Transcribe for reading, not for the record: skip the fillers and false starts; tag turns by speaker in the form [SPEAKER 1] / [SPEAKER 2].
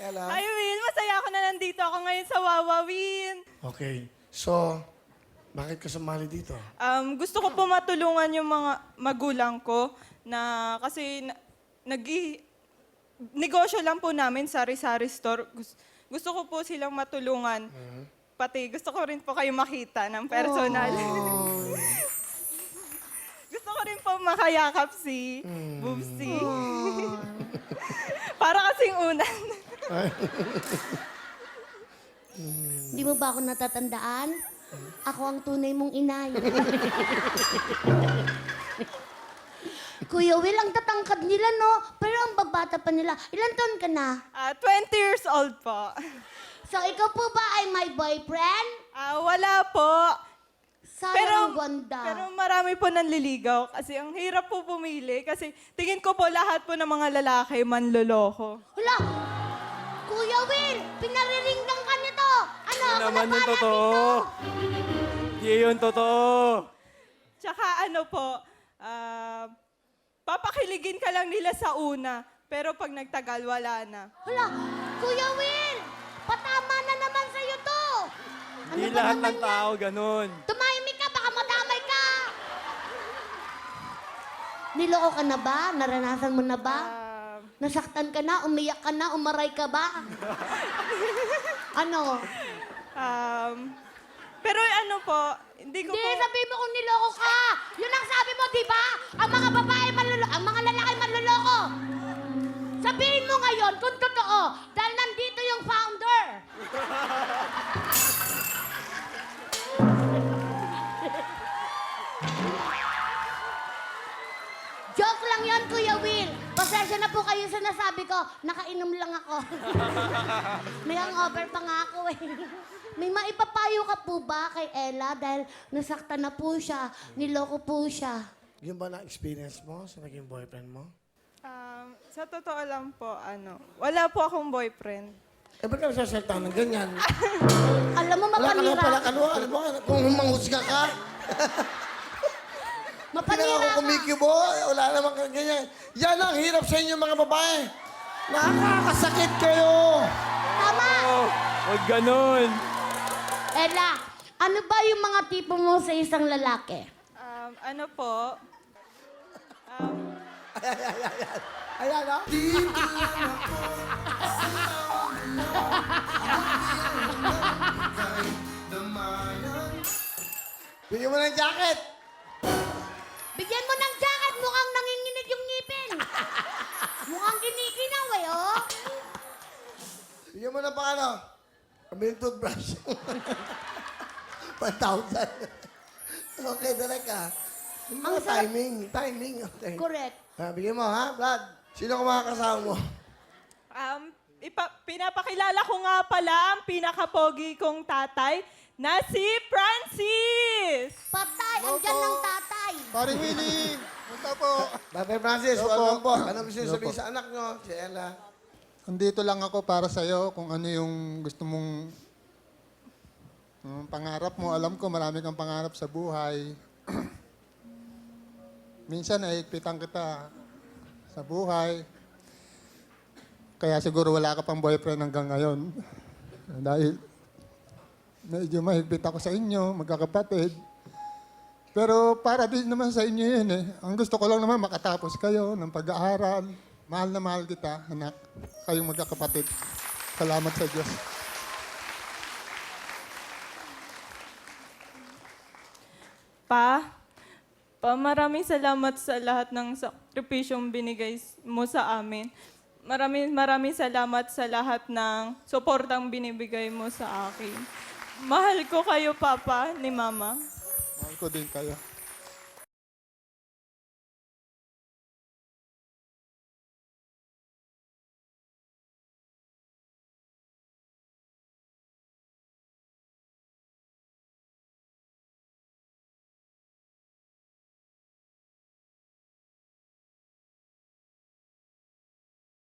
[SPEAKER 1] Ella?
[SPEAKER 2] Hi, Will. Masaya ako na nandito ako ngayon sa Wawawin.
[SPEAKER 1] Okay. So, bakit ka sumali dito?
[SPEAKER 2] Gusto ko po matulungan yung mga magulang ko na kasi negosyo lang po namin, sari-sari store. Gusto ko po silang matulungan. Pati gusto ko rin po kayo makita ng personal. Gusto ko rin po makayakap si Boobsy. Para kasing unan.
[SPEAKER 3] Di mo ba ako natatandaan? Ako ang tunay mong inay. Kuya Will, ang tatangkad nila, no? Pero ang babata pa nila. Ilan taon ka na?
[SPEAKER 2] 20 years old po.
[SPEAKER 3] So, ikaw po ba ay my boyfriend?
[SPEAKER 2] Wala po.
[SPEAKER 3] Sayang ang ganda.
[SPEAKER 2] Pero marami po nanliligaw kasi ang hirap po pumili kasi tingin ko po lahat po ng mga lalaki manloloko.
[SPEAKER 3] Hala! Kuya Will, pinariringgan ka nito. Ano, ako
[SPEAKER 4] naman
[SPEAKER 3] na
[SPEAKER 4] yung totoo. Di yun totoo.
[SPEAKER 2] Tsaka ano po, papakiligin ka lang nila sa una pero pag nagtagal, wala na.
[SPEAKER 3] Hala! Kuya Will, patama na naman sa'yo to.
[SPEAKER 4] Di
[SPEAKER 3] ba
[SPEAKER 4] lahat
[SPEAKER 3] naman
[SPEAKER 4] ng tao ganun.
[SPEAKER 3] Tumahimik ka, baka madamay ka. Niloko ka na ba? Naranasan mo na ba? Nasaktan ka na? Umiyak ka na? Umaray ka ba? Ano?
[SPEAKER 2] Pero ano po, hindi ko
[SPEAKER 3] Hindi,
[SPEAKER 2] po...
[SPEAKER 3] sabihin mo kung niloko ka. Yun ang sabi mo, di ba? Ang mga babae manluloko, ang mga lalaki manluloko. Sabihin mo ngayon kung totoo, dahil nandito yung founder. Joke lang yan, Kuya Will. Pasensya na po kayo sa nasabi ko. Nakainom lang ako. May hangover pa nga ako eh. May maipapayo ka po ba kay Ella dahil nasaktan na po siya, niloko po siya?
[SPEAKER 1] Yung ba na-experience mo sa naging boyfriend mo?
[SPEAKER 2] Sa totoo lang po, wala po akong boyfriend.
[SPEAKER 1] Eh, ba't ka nagsasalita ng ganyan?
[SPEAKER 3] Alam mo,
[SPEAKER 1] Wala ka lang pala,
[SPEAKER 3] mapanira.
[SPEAKER 1] alam mo, kung manghusga ka, hindi na
[SPEAKER 3] Mapanira
[SPEAKER 1] ako
[SPEAKER 3] ka.
[SPEAKER 1] kumikibo, wala naman ka ganyan. Yan ang hirap sa inyo mga babae. Nakakasakit kayo.
[SPEAKER 3] Tama!
[SPEAKER 4] Oh, huwag ganun.
[SPEAKER 3] Ella, ano ba yung mga tipo mo sa isang lalaki?
[SPEAKER 2] Ano po,
[SPEAKER 1] Ayan, ha? Bigyan mo ng jacket.
[SPEAKER 3] Bigyan mo ng jacket, mukhang nanginginig yung ngipin. Mukhang kinikinaw eh, oh.
[SPEAKER 1] Bigyan mo ng paano? Kami toothbrush. 1,000. Okay, direct ka.
[SPEAKER 3] Ang sarap-
[SPEAKER 1] Timing, okay.
[SPEAKER 3] Correct.
[SPEAKER 1] Bigyan mo, ha, Vlad? Sino ka mga kasama mo?
[SPEAKER 2] pinapakilala ko nga pala ang pinakapogi kong tatay na si Francis!
[SPEAKER 3] Patay, andyan ng tatay.
[SPEAKER 5] Paring Willie! Punta po!
[SPEAKER 1] Tatay Francis,
[SPEAKER 5] Hello
[SPEAKER 1] welcome
[SPEAKER 5] po.
[SPEAKER 1] po. Ano gusto niyo
[SPEAKER 5] Hello
[SPEAKER 1] sabihin
[SPEAKER 5] po.
[SPEAKER 1] sa anak nyo, si Ella?
[SPEAKER 5] Andito lang ako para sa'yo kung ano yung gusto mong pangarap mo. Alam ko marami kang pangarap sa buhay. Minsan nahigpitan kita sa buhay. Kaya siguro wala ka pang boyfriend hanggang ngayon. Dahil medyo mahigpit ako sa inyo, magkakapatid. Pero para din naman sa inyo yun eh. Ang gusto ko lang naman makatapos kayo ng pag-aaral. Mahal na mahal kita, anak. Kayong magkakapatid. Salamat sa Diyos.
[SPEAKER 2] Pa, maraming salamat sa lahat ng sakripisyong binigay mo sa amin. Maraming salamat sa lahat ng suportang binibigay mo sa akin. Mahal ko kayo, Papa, ni Mama.
[SPEAKER 5] Mahal ko din kayo.